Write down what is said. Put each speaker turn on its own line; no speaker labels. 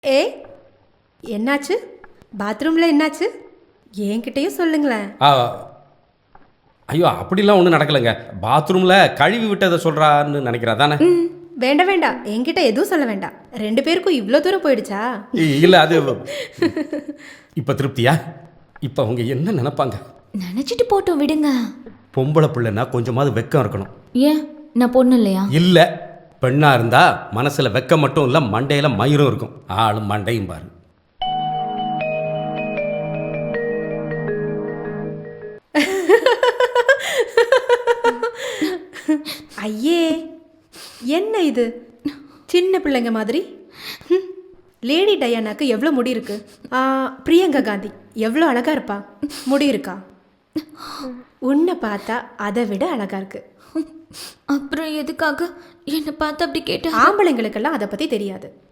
ஏ, என்னாச்சு? பாத்ரூம்ல என்னாச்சு? என்கிட்டயும் சொல்லுங்களேன்.
ஐயோ அப்படிலாம் ஒன்றும் நடக்கலைங்க. பாத்ரூமில் கழுவி விட்டதை சொல்கிறான்னு நினைக்கிறா தானே?
வேண்டாம் வேண்டாம், என்கிட்ட எதுவும் சொல்ல வேண்டாம். 2 பேருக்கும் இவ்வளோ தூரம் போயிடுச்சா?
இல்லை, அது இப்போ திருப்தியா? இப்போ அவங்க என்ன நினைப்பாங்க?
நினைச்சிட்டு போட்டோம், விடுங்க.
பொம்பளை பிள்ளைன்னா கொஞ்சமாவது வெக்கம் இருக்கணும்.
ஏன், நான் பொண்ணு இல்லையா?
இல்லை, பெண்ணாக இருந்தா மனசில் வெக்கம் மட்டும் இல்லை, மண்டையில் மயிரும் இருக்கும். ஆளும் மண்டையும் பாரு.
ஐயே, என்ன இது? சின்ன பிள்ளைங்க மாதிரி. லேடி டயானாக்கு எவ்வளோ முடி இருக்கு? பிரியங்கா காந்தி எவ்வளோ அழகா இருப்பா. முடி இருக்கா? உன்னை பார்த்தா அதை விட அழகா இருக்கு.
அப்புறம் எதுக்காக என்னை பார்த்து அப்படி கேட்ட?
ஆம்பளைங்களுக்கெல்லாம் அதை பற்றி தெரியாது.